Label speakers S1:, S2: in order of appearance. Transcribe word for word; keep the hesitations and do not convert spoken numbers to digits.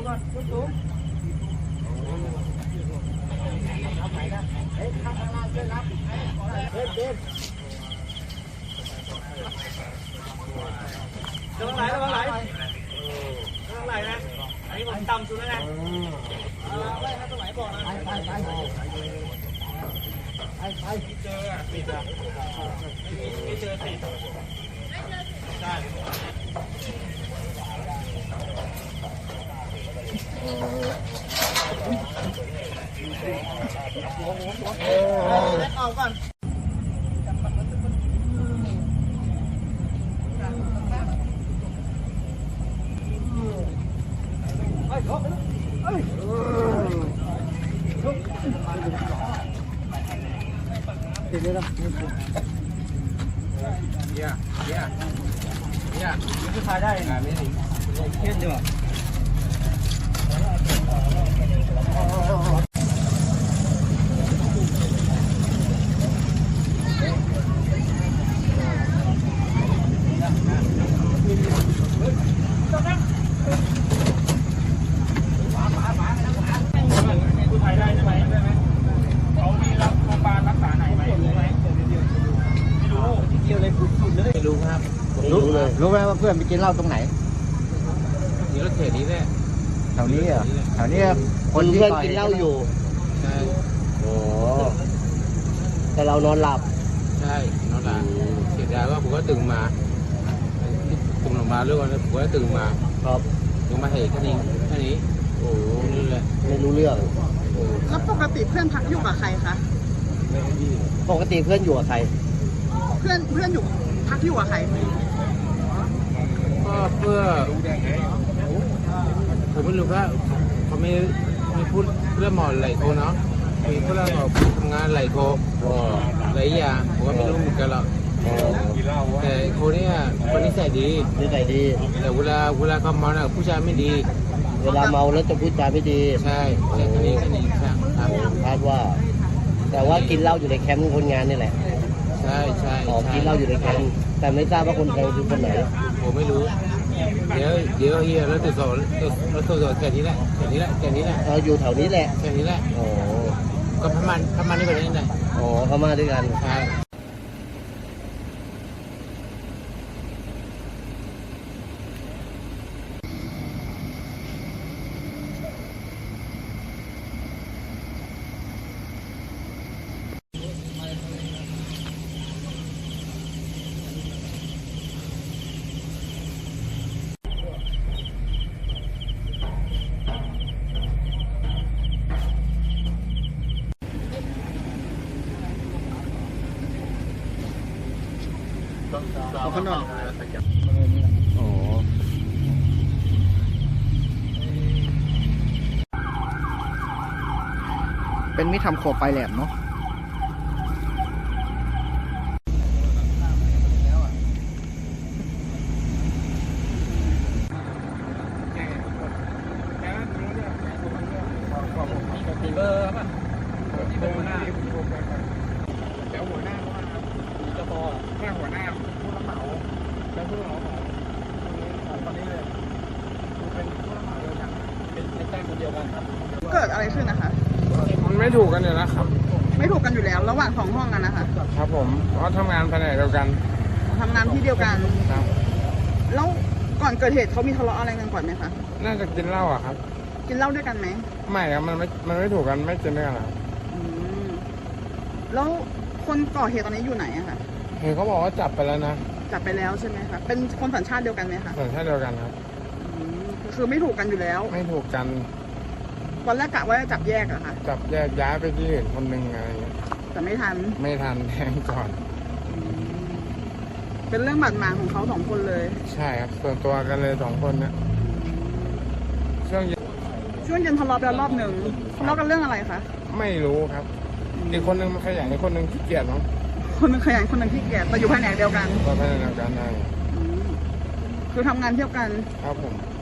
S1: ก่อนสูงเฮ้ยข้างล่างช่วยรับเด็ดเด็ดระวังไหลระวังไหลระวังไหลนะอันนี้ผมต่ำสุดแล้วนะเอาไว้ให้ตรงไหนบอกนะไปไปไปไปไปเจออ่ะปิดอ่ะไม่ไม่เจอติดใช่เอาก่อนเฮ้ยเฮ้ยติดเลยนะเยี่ยเยี่ยเยี่ยมันจะพายได้ไงไม่ถึงเทียนอยู่รู้ครับรู้เลยรู้ไหมว่าเพื่อนไปกินเหล้าตรงไหนนี่รถเข็นนี้แหละแถวนี้เหรอแถวนี้คนที่เพื่อนกินเหล้าอยู่ใช่โอ้แต่เรานอนหลับใช่นอนหลับเสียดายว่าผมก็ตื่นมาตื่นออกมาเรื่องวันผมก็ตื่นมาครับตื่นมาเห็นแค่นี้แค่นี้โอ้นี่แหละไม่รู้เรื่อง
S2: แล้วปกติเพื่อนพักอยู่กับใครคะ
S1: ปกติเพื่อนอยู่กับใคร
S2: เพื่อนเพื่อนอยู่พักอยู่กับใคร
S1: ก็เพื่อผมไม่รู้ว่าเขาไม่ไม่พูดเรื่องหมอนไหลโคเนาะมีเรื่องของทำงานไหลโคหลายอย่างผมก็ไม่รู้เหมือนกันหรอกแต่โคเนี่ยคนนิสัยดีนิสัยดีแต่เวลาเวลาเขาเมาเนี่ยผู้ชายไม่ดีเวลาเมาแล้วจะพูดจาไม่ดีใช่ใช่แค่นี้แค่นี้ครับคาดว่าแต่ว่ากินเหล้าอยู่ในแคมป์คนงานนี่แหละใช่ใช่อ๋อกินเหล้าอยู่ในแคมป์แต่ไม่ทราบว่าคนไทยคือคนไหนผมไม่รู้เดี๋ยวเดี๋ยวเฮียรถติดสอนรถติดสอนแค่นี้แหละแค่นี้แหละแค่นี้แหละเราอยู่แถวนี้แหละแค่นี้แหละโอ้ก็พม่าพม่านี่เป็นยังไงอ๋อพม่าด้วยกันใช่เอาข้างนอกโอ้เป็นมิตรทำโคปลายแหลมเนาะเบอร์ป่ะเบอร์หน้าแล้วหัวหน้าเขาจะพอแค่หัวหน้าผู้รับเหมาแล้วผู้รับเหมาของตอนนี้เลยเป็นผู้รับเหมาเดียวกันเป็นในแจ้งคนเดียวกันครับ
S2: เกิดอะไรขึ้นนะคะ
S3: มันไม่ถูกกันอยู่แล้วครับ
S2: ไม่ถูกกันอยู่แล้วระหว่างสองห้องกันนะคะ
S3: ครับผมเพราะทำงานแผนกเดียวกัน
S2: ทำงานที่เดียวกัน
S3: ครับ
S2: แล้วก่อนเกิดเหตุเขามีทะเลาะอะไรกันก่อนไหมคะ
S3: น่าจะกินเหล้าอะครับ
S2: กินเหล้าด้วยกันไหม
S3: ไม่ครับมันไม่มันไม่ถูกกันไม่กินด้วยกันครับ
S2: แล้วคนก่อเหตุตอนนี้อยู่ไหนอะคะ
S3: เห็นเขาบอกว่าจับไปแล้วนะ
S2: จับไปแล้วใช่ไหมคะเป็นคนสัญชาติเดียวกันไหมคะ
S3: สัญชาติเดียวกันครับ
S2: คือไม่ถูกกันอยู่แล้ว
S3: ไม่ถูกกัน
S2: ตอนแรกกะว่าจะจับแยกอะค่ะ
S3: จับแยกย้ายไปที่อื่นคนหนึ่งอะไรอย่างเงี้ย
S2: แต่ไม่ทัน
S3: ไม่ทันแทงก่อน
S2: เป็นเรื่องบาดหมางของเขาสองคนเลย
S3: ใช่ครับส่วนตัวกันเลยสองคนเนี่ยช่วง
S2: ช่วงเย็นทะเลาะไปรอบหนึ่งทะเลาะกันเรื่องอะไรคะ
S3: ไม่รู้ครับอีกคนนึงมันขยันอีกคนนึงขี้เกียจมั้ง
S2: คนนึงขยันคนนึงขี้เกียจแต่อยู่แผนกเดียวกัน
S3: ก็แผนกเดียวกันได้
S2: คือทำงานเที่ยวกัน
S3: ครับผม